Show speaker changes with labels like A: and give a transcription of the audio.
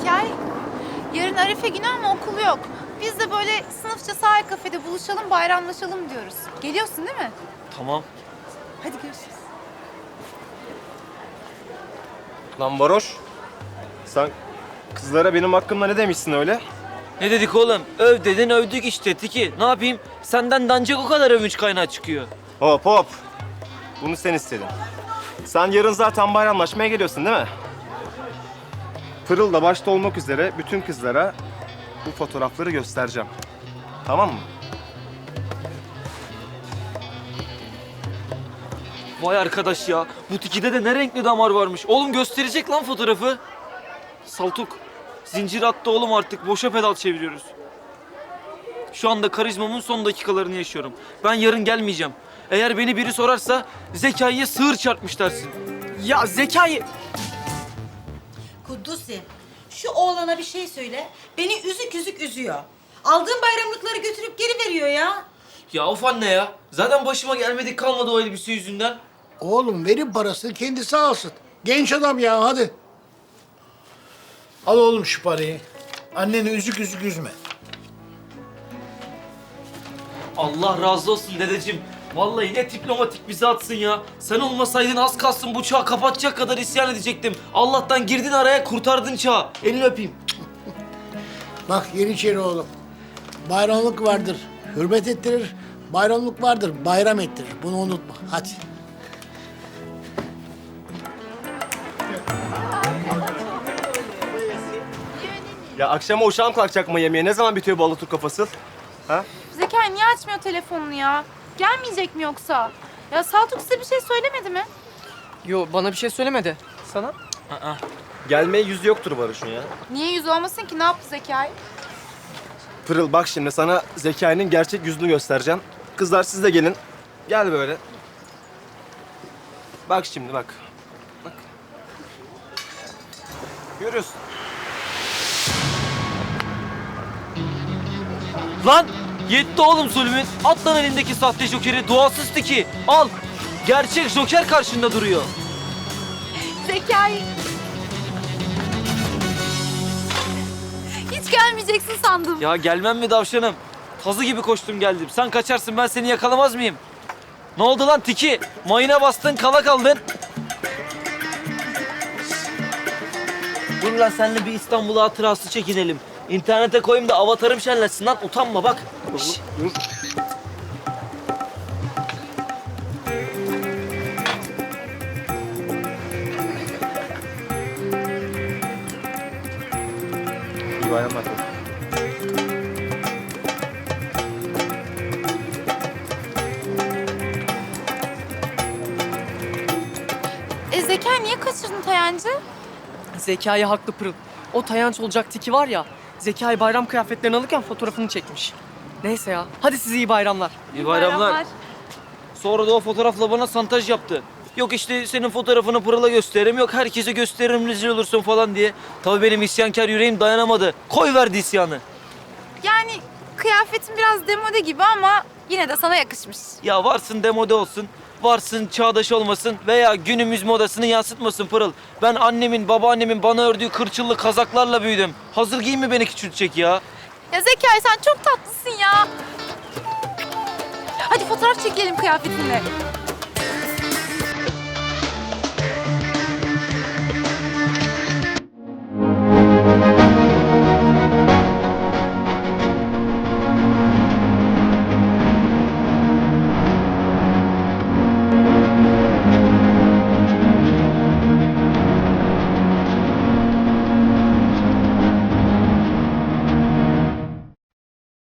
A: Zekai, yarın Arife günü ama okul yok. Biz de böyle sınıfça sahil kafede buluşalım, bayramlaşalım diyoruz. Geliyorsun değil mi?
B: Tamam.
A: Hadi görüşürüz.
C: Lan varoş. Sen kızlara benim hakkımda ne demişsin öyle?
B: Ne dedik oğlum? Öv dedin övdük işte Tiki. Ne yapayım? Senden de ancak o kadar övünç kaynağı çıkıyor.
C: Hop hop. Bunu sen istedin. Sen yarın zaten bayramlaşmaya geliyorsun değil mi? Pırıl da başta olmak üzere bütün kızlara bu fotoğrafları göstereceğim. Tamam mı?
B: Vay arkadaş ya. Bu Tiki'de de ne renkli damar varmış. Oğlum gösterecek lan fotoğrafı. Saltuk. Zincir attı oğlum artık. Boşa pedal çeviriyoruz. Şu anda karizmamın son dakikalarını yaşıyorum. Ben yarın gelmeyeceğim. Eğer beni biri sorarsa Zekai'ye sığır çarpmış dersin.
D: Ya Zekai...
E: Kuddusi, şu oğlana bir şey söyle. Beni üzük üzük üzüyor. Aldığım bayramlıkları götürüp geri veriyor ya.
B: Ya of anne ya. Zaten başıma gelmedik kalmadı o elbise yüzünden.
F: Oğlum verin parasını kendisi alsın. Genç adam ya hadi. Al oğlum şu parayı. Anneni üzük üzük üzme.
B: Allah razı olsun dedeciğim. Vallahi ne diplomatik bizi atsın ya. Sen olmasaydın az kalsın bu çağı kapatacak kadar isyan edecektim. Allah'tan girdin araya kurtardın çağı. Elini öpeyim.
F: Bak Yeniçeri oğlum. Bayramlık vardır. Hürmet ettirir. Bayramlık vardır. Bayram ettirir. Bunu unutma. Hadi.
C: Ya akşama uşağım kalkacak mı yemeğe? Ne zaman bitiyor bu Alaturk kafası? Ha?
A: Zekai niye açmıyor telefonunu ya? Gelmeyecek mi yoksa? Ya Saltuk size bir şey söylemedi mi?
D: Yo bana bir şey söylemedi. Sana?
C: Gelmeye yüzü yoktur Barış'ın ya.
A: Niye yüz olmasın ki? Ne yaptı Zekai?
C: Pırıl bak şimdi sana Zekai'nin gerçek yüzünü göstereceğim. Kızlar siz de gelin. Gel böyle. Bak şimdi bak. Bak. Görüyorsun.
B: Lan yetti oğlum zulmün. At lan elindeki sahte jokeri duasız Tiki. Al. Gerçek joker karşında duruyor.
A: Zekai! Hiç gelmeyeceksin sandım.
B: Ya gelmem mi davşanım? Tazı gibi koştum geldim. Sen kaçarsın ben seni yakalamaz mıyım? Ne oldu lan Tiki? Mayına bastın kala kaldın. Dur lan seninle bir İstanbul hatırası çekinelim. İnternete koyayım da avatarım şenlensin lan utanma bak. Şş.
C: Dur. İyi bayramlar.
A: Zekai niye kaçırdın Tayancı?
D: Zekai haklı Pırıl. O tayanç olacak Tiki var ya, Zekai bayram kıyafetlerini alırken fotoğrafını çekmiş. Neyse ya, hadi size iyi bayramlar.
B: İyi bayramlar. Sonra da o fotoğrafla bana santaj yaptı. Yok işte senin fotoğrafını Pırıl'a gösteririm, yok herkese gösteririm rezil olursun falan diye. Tabii benim isyankar yüreğim dayanamadı. Koy verdi isyanı.
A: Yani kıyafetin biraz demode gibi ama yine de sana yakışmış.
B: Ya varsın demode olsun, varsın çağdaş olmasın veya günümüz modasını yansıtmasın Pırıl. Ben annemin, babaannemin bana ördüğü kırçıllı kazaklarla büyüdüm. Hazır giyinme beni küçültecek ya.
A: Ya Zekai sen çok tatlısın ya. Hadi fotoğraf çekelim kıyafetinle.